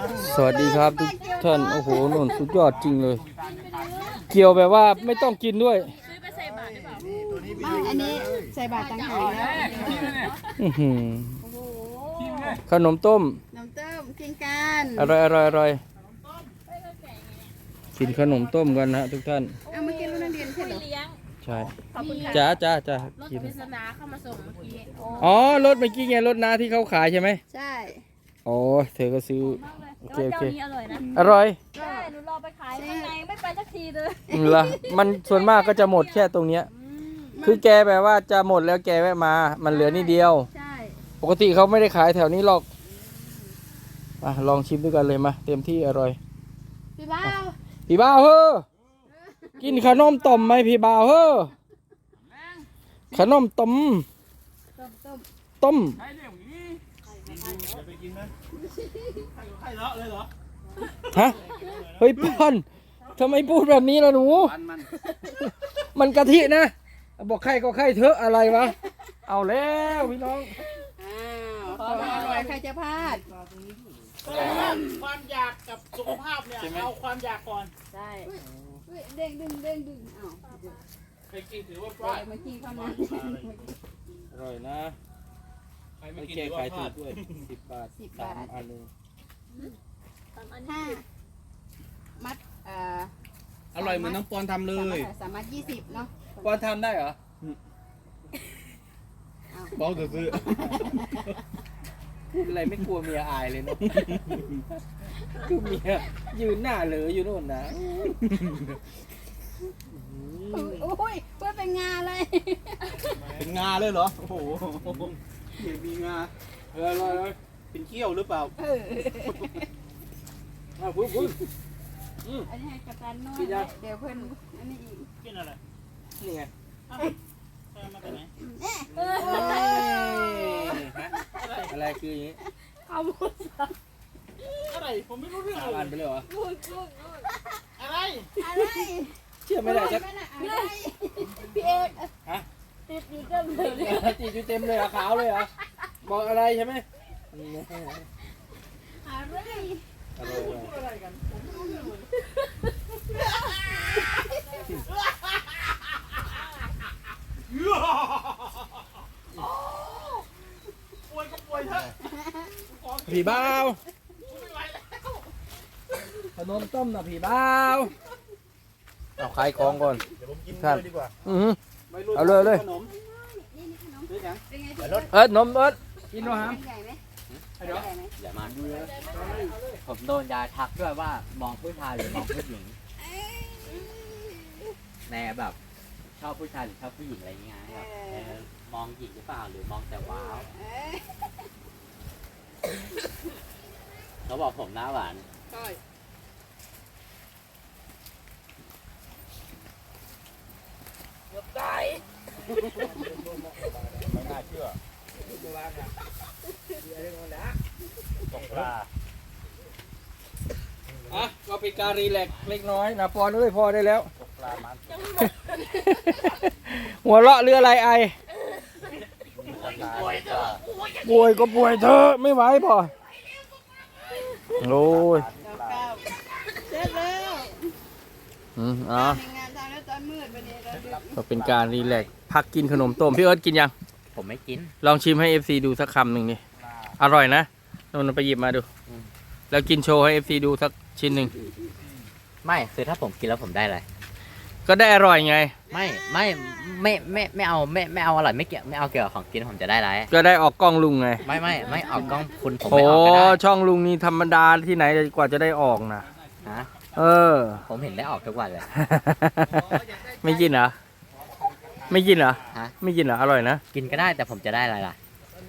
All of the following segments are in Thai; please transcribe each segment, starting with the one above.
สวัสดีครับทุกท่านโอ้โหนุ่นสุดยอดจริงเลย เกี่ยวแบบว่าไม่ต้องกินด้วยซื้อไปใส่บาตรหรือเปล่าไม่อันนี้ใส่บาตรต่างหากแล้วอื้อหือโอ้โหขนมต้มน้ำเต้มกินกันอร่อยอร่อยอร่อยกินขนมต้มกันนะทุกท่านเอาเมื่อกี้ลูกนักเรียนใช่เหรอเลี้ยงใช่ขอบคุณค่ะจ้าจ้าจ้ารถกินปริศนาเข้ามาส่งเมื่อกี้อ๋อรถเมื่อกี้ไงรถน้าที่เขาขายใช่ไหมใช่อ๋อเธอก็ซื้อโอเคแล้วโอเคเจ้านี้อร่อยนะอร่อยใช่หนูรอไปขายข้างในไม่ไปสักทีเลยเหรอมันส่วนมากก็จะหมดแค่ตรงเนี้ยคือแกแบบว่าจะหมดแล้วแกแวะมามันเหลือนิดเดียวใช่ปกติเขาไม่ได้ขายแถวนี้หรอกลองชิมด้วยกันเลยมาเต็มที่อร่อยพี่บ้าวพี่บ่าวเฮ้อกินขนมต้มไหมพี่บ่าวเฮ้อขนมต้มต้มต้มฮะเฮ้ยป้อนทำไมพูดแบบนี้ล่ะหนูมันกะทินะบอกใครก็ใครเถอะอะไรวะเอาแล้วพี่น้องอ้าวของอร่อยใครจะพลาดความอยากกับสุขภาพเนี่ยเอาความอยากก่อนใช่อุ๊ยเด้งดึงเด้งดึงอ้าวไปกินถือว่าพเดี๋ลาดยวเมื่อกี้เข้ามาอร่อยนะใครไม่ไม่กินแก้ถือไขว่าพถูลาก ดด้วย10 บาท3 อันเลยห้ามัดอร่อยเหมือนน้องปอนทำเลยสามารถ20เนาะปอนทำได้เหรอบอกซื้อพูดอะไรไม่กลัวเมียอายเลยเนาะคือเมียยืนหน้าเหลออยู่โน่นนะอุ้ยเพื่อเป็นงานเลยเป็นงาเลยเหรอ โอ้โหเดี๋ยวมีงาเป็นเขี้ยวหรือเปล่าพูดอันนี้ให้กัปตันนวดเดี๋ยวเพื่อนอันนี้อีกกินอะไรนี่ไงมาจากไหนอะไรคืออย่างนี้เอาหมดอะไรผมไม่รู้เรื่อง 3 อันไปเลยเหรออะไรอะไรเชื่อไม่ได้จะอะไรพี่เอกฮะติดอยู่เต็มเลยจีอยู่เต็มเลยเหรอขาวเลยเหรอบอกอะไรใช่ไหมอะไรอะไรกันผมไม่รู้เรื่องเลยป่วยก็ป่วยเถอะผีบ้าวขนมต้มนะผีบ้าวเอาขายของก่อนเดี๋ยวผมกินเลยดีกว่าเอาเลยขนมนี่ขนมซื้อยังเป็นไงนมกินหน่อยฮะใหญ่ไหมเดี๋ยวใหญ่ไหมอย่ามาผมโดนยาทักด้วยว่ามองผู้ชายหรือมองผู้หญิงแม่แบบชอบผู้ชายหรือชอบผู้หญิงอะไรอย่างเงี้ยแบบมองหญิงหรือเปล่าหรือมองแต่ว้าวเขาบอกผมหน้าหวานใช่ไม่น่าเชื่อตกปลาอ่ะก็เป็นการรีแลกซ์เล็กน้อยนะปอนเอ้ยพอได้แล้วตกปลามันหัวเราะเรืออะไรไอป่วยก็ป่วยเธอะไม่ไหวพอโอ้ยเสร็จแล้วอ๋อมีงานทำแล้วตอนมืดวันนี้เราดึกก็เป็นการรีแลกซ์พักกินขนมต้มพี่เอิร์ธกินยังผมไม่กินลองชิมให้ FC ดูสักคำหนึ่งนี่อร่อยนะนนท์ไปหยิบมาดู แล้วกินโชว์ให้ FC ดูสักชิ้นหนึ่งไม่คือถ้าผมกินแล้วผมได้อะไรก็ได้อร่อยไงไม่เอาไม่เอาอร่อยไม่เกี่ยวไม่เอาเกี่ยวกับของกินผมจะได้อะไรก็ได้ออกกล้องลุงไงไม่ออกกล้องคุณผมโอ้ไม่ออกก็ได้ช่องลุงนี่ธรรมดาที่ไหนกว่าจะได้ออกนะฮะเออผมเห็นได้ออกทุกวันเลยไม่กินเหรอ ไม่กินเหรอฮะไม่กินเหรอ อร่อยนะกินก็ได้แต่ผมจะได้อะไรล่ะ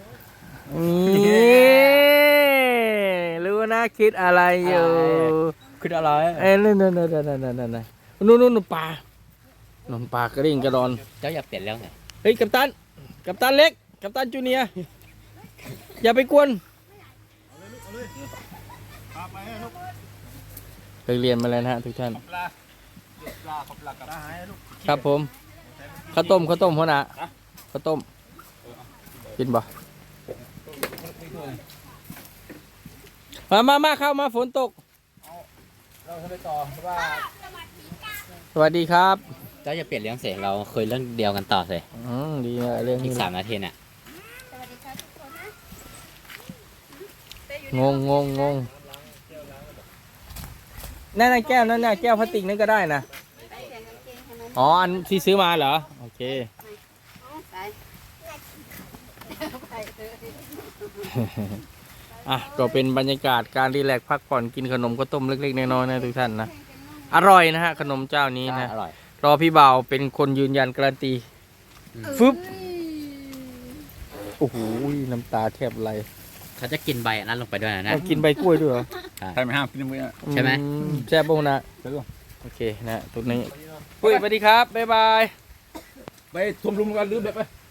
นี่รู้นะคิดอะไรอยู่คืออะไรเอ้ยนั่นนู่นปลานนปลากระดิ่งกระดอนเจ้าอย่าเปลี่ยนเรื่องหน่อยเฮ้ยกัปตันเล็ก กัปตันจูเนียร์อย่าไปกวนไปเรียนมาแล้วนะฮะทุกท่านปลาขอบหลักกระดาษให้ลูกครับผมข้าวต้มหัวหน้าข้าวต้มกินบ่มาเข้ามาฝนตกเราจะไปต่อว่าสวัสดีครับเจ้าจะเปลี่ยนเรื่องเสียงเราคุยเรื่องเดียวกันต่อเลยดีนะเรื่องอีนี้ก3 นาทีน่ะสวัสดีค่ะทุกคนนะงงนั่นแก้วนั่นน่ะแก้วพลาสติกนั่นก็ได้นะไปเปลี่ยนกางเกงให้มันอ๋ออันที่ซื้อมาเหรอโอเคไปไปเถอะอ่ะก็เป็นบรรยากาศการรีแลกซ์พักผ่อนกินขนมข้าวต้มเล็กๆน้อยๆนะทุกท่านนะอร่อยนะฮะขนมเจ้านี้นะอร่อยรอพี่บ่าวเป็นคนยืนยันการันตีฟึบโอ้โหน้ำตาแทบไหลเขาจะกินใบอันนั้นลงไปด้วยนะเอากินใบกล้วยด้วยเหรอใครไม่ห้ามกินมื้อใช่ไหมแซ่บบ้งนะโอเคนะตรงนี้ปุ้ยสวัสดีครับบ๊ายบายไปทุ่มรุมกันหรือแบบไป